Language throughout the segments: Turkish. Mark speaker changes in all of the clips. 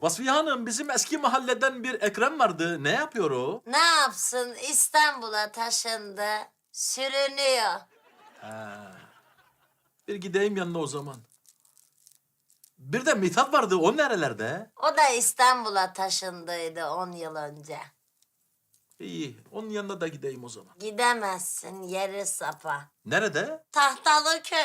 Speaker 1: Vasfiye Hanım, bizim eski mahalleden bir Ekrem vardı. Ne yapıyor o?
Speaker 2: Ne yapsın, İstanbul'a taşındı. Sürünüyor.
Speaker 1: Bir gideyim yanına o zaman. Bir de Mithat vardı. O nerelerde?
Speaker 2: O da İstanbul'a taşındıydı 10 yıl önce.
Speaker 1: İyi. Onun yanına da gideyim o zaman.
Speaker 2: Gidemezsin, yeri sapa.
Speaker 1: Nerede?
Speaker 2: Tahtalıköy.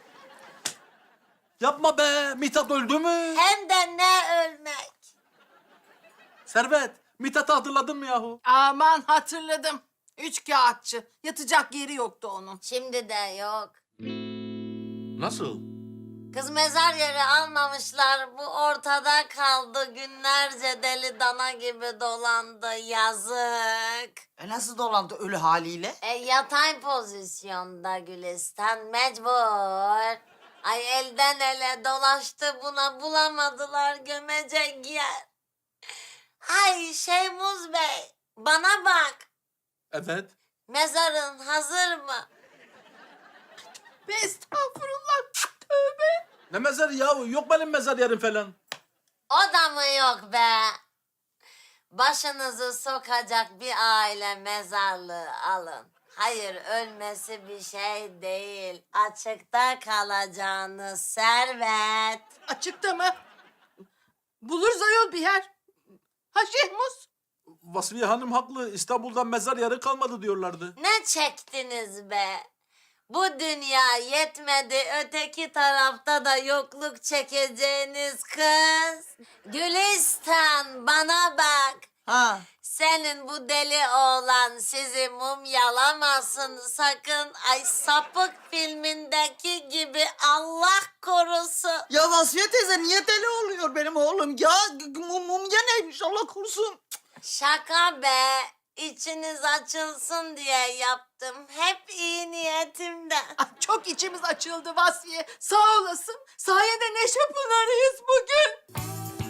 Speaker 1: Yapma be. Mithat öldü mü?
Speaker 2: Hem de ne ölmek.
Speaker 1: Servet. Mithat'ı hatırladın mı yahu?
Speaker 3: Aman hatırladım. Üç kağıtçı. Yatacak yeri yoktu onun.
Speaker 2: Şimdi de yok.
Speaker 1: Nasıl?
Speaker 2: Kız mezar yeri almamışlar. Bu ortada kaldı. Günlerce deli dana gibi dolandı. Yazık.
Speaker 4: Nasıl dolandı ölü haliyle?
Speaker 2: Yatay pozisyonda Gülistan mecbur. Ay elden ele dolaştı buna bulamadılar gömecek yer. Ay Şeymuz Bey bana bak.
Speaker 1: Evet.
Speaker 2: Mezarın hazır mı?
Speaker 3: Ve estağfurullah. Tövbe.
Speaker 1: Ne mezarı yahu? Yok benim mezar yerim falan.
Speaker 2: O da mı yok be? Başınızı sokacak bir aile mezarlığı alın. Hayır ölmesi bir şey değil. Açıkta kalacağınız servet.
Speaker 3: Açıkta mı? Buluruz ayol bir yer. Ha Şehmuz?
Speaker 1: Vasfiye Hanım haklı. İstanbul'da mezar yeri kalmadı diyorlardı.
Speaker 2: Ne çektiniz be? Bu dünya yetmedi, öteki tarafta da yokluk çekeceğiniz kız. Gülistan bana bak.
Speaker 4: Ha.
Speaker 2: Senin bu deli oğlan sizi mumyalamasın sakın. Ay sapık filmindeki gibi Allah korusun.
Speaker 4: Ya Vasfiye teyze niye deli oluyor benim oğlum? Ya mumya neymiş Allah korusun.
Speaker 2: Şaka be. İçiniz açılsın diye yaptım. Hep iyi niyetimden.
Speaker 3: Ah, çok içimiz açıldı Vasfiye. Sağ olasın. Sayende neşe pınarıyız bugün.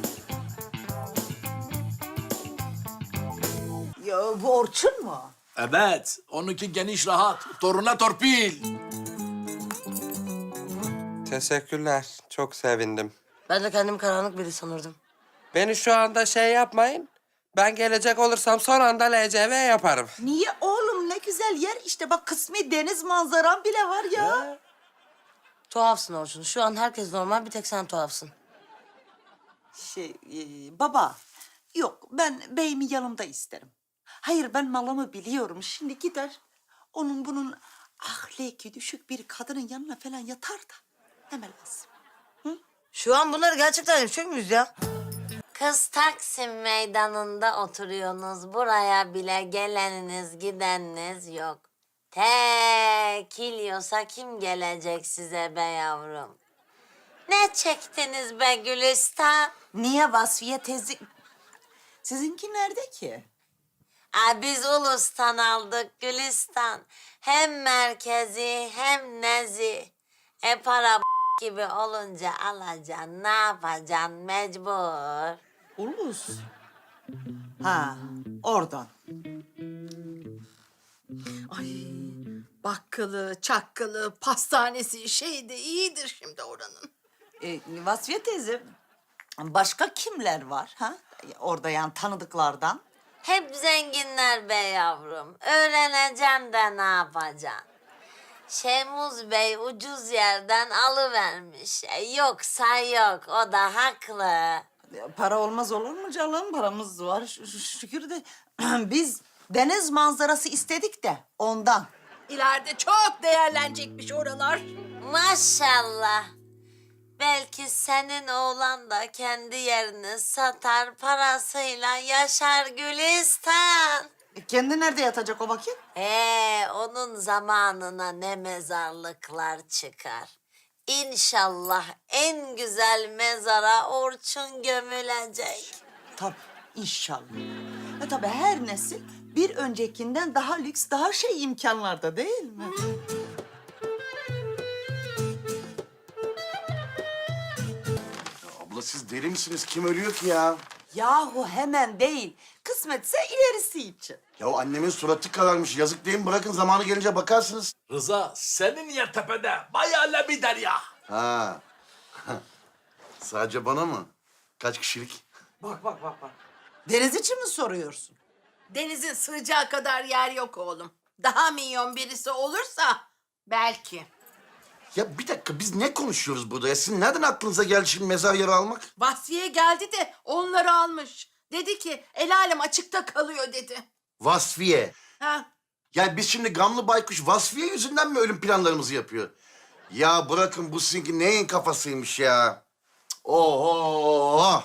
Speaker 4: Ya bu Orçun mu?
Speaker 1: Evet. Onunki geniş rahat. Toruna torpil.
Speaker 5: Teşekkürler. Çok sevindim.
Speaker 2: Ben de kendim karanlık biri sanırdım.
Speaker 5: Beni şu anda şey yapmayın. Ben gelecek olursam son anda LCV yaparım.
Speaker 4: Niye oğlum ne güzel yer işte bak kısmi deniz manzaran bile var ya.
Speaker 2: Tuhafsın Orçun. Şu an herkes normal, bir tek sen tuhafsın.
Speaker 4: Baba yok ben beyimi yanımda isterim. Hayır ben malımı biliyorum şimdi gider onun bunun ahlaki düşük bir kadının yanına falan yatar da ne lazım.
Speaker 2: Şu an bunları gerçekten yapacak mıyız ya? Kız Taksim meydanında oturuyorsunuz. Buraya bile geleniniz gideniniz yok. Tekiliyorsa kim gelecek size be yavrum? Ne çektiniz be Gülistan?
Speaker 4: Niye Vasfiye teyze? Sizinki nerede ki?
Speaker 2: Biz Ulus'tan aldık Gülistan. Hem merkezi hem nezi. Para gibi olunca alacaksın. Ne yapacaksın mecbur.
Speaker 4: Ulus. Ha oradan.
Speaker 3: Ay bakkalı, çakkalı, pastanesi şey de iyidir şimdi oranın.
Speaker 4: Vasfiye teyze başka kimler var ha? Orada yani tanıdıklardan.
Speaker 2: Hep zenginler be yavrum. Öğreneceğim de ne yapacaksın? Şemuz Bey ucuz yerden alıvermiş. Yoksa yok, o da haklı.
Speaker 4: Para olmaz olur mu canım? Paramız var şükür de. Biz deniz manzarası istedik de ondan.
Speaker 3: İleride çok değerlenecekmiş oralar.
Speaker 2: Maşallah. Belki senin oğlan da kendi yerini satar, parasıyla yaşar Gülistan.
Speaker 4: Kendi nerede yatacak o vakit?
Speaker 2: Onun zamanına ne mezarlıklar çıkar. İnşallah en güzel mezara Orçun gömülecek.
Speaker 4: Tabii inşallah. Tabii her nesil bir öncekinden daha lüks, daha şey imkanlarda değil mi?
Speaker 6: Abla siz deli misiniz? Kim ölüyor ki ya?
Speaker 4: Yahu hemen değil. Kısmetse ilerisi için.
Speaker 6: Ya annemin suratı kararmış. Yazık değil mi? Bırakın zamanı gelince bakarsınız.
Speaker 1: Rıza, senin yer tepede. Bayağı le bir derya.
Speaker 6: Ha. Sadece bana mı? Kaç kişilik?
Speaker 5: Bak bak bak bak.
Speaker 3: Deniz için mi soruyorsun? Denizin sığacağı kadar yer yok oğlum. Daha milyon birisi olursa belki.
Speaker 6: Ya bir dakika biz ne konuşuyoruz burada ya? Sizin nereden aklınıza geldi şimdi mezar yeri almak?
Speaker 3: Vasfiye geldi de onları almış. Dedi ki el alem açıkta kalıyor dedi.
Speaker 6: Vasfiye.
Speaker 3: Ha,
Speaker 6: Ya biz şimdi gamlı baykuş Vasfiye yüzünden mi ölüm planlarımızı yapıyor? Ya bırakın bu sizinki neyin kafasıymış ya? Cık, oho!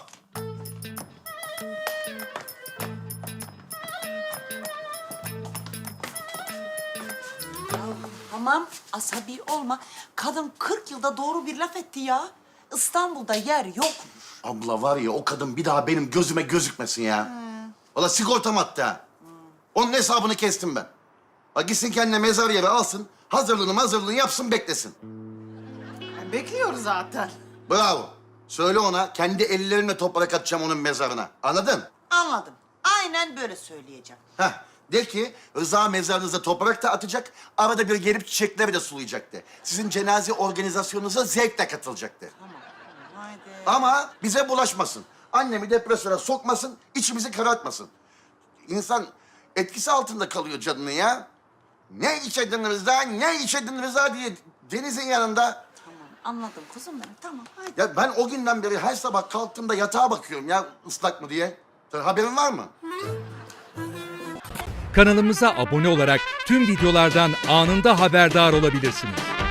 Speaker 4: Tamam, asabi olma. Kadın 40 yılda doğru bir laf etti ya. İstanbul'da yer yok.
Speaker 6: Abla var ya o kadın bir daha benim gözüme gözükmesin ya. Valla sigortam hatta. Onun hesabını kestim ben. Ha gitsin kendine mezar yeri alsın, hazırlığını yapsın beklesin.
Speaker 3: bekliyoruz zaten.
Speaker 6: Bravo. Söyle ona kendi ellerimle toprak atacağım onun mezarına. Anladın?
Speaker 4: Anladım. Aynen böyle söyleyeceğim.
Speaker 6: Heh. De ki Rıza mezarınıza toprak da atacak, arada bir gelip çiçekleri de sulayacaktı. Sizin cenaze organizasyonunuza zevkle katılacaktı.
Speaker 4: Haydi.
Speaker 6: Ama bize bulaşmasın. Annemi depresyona sokmasın, içimizi karartmasın. İnsan etkisi altında kalıyor canını ya. Ne içedin Rıza, ne içedin Rıza diye denizin yanında.
Speaker 4: Tamam, anladım kuzum benim. Tamam, haydi.
Speaker 6: Ya ben o günden beri her sabah kalktığımda yatağa bakıyorum ya ıslak mı diye. Haberin var mı?
Speaker 7: Kanalımıza abone olarak tüm videolardan anında haberdar olabilirsiniz.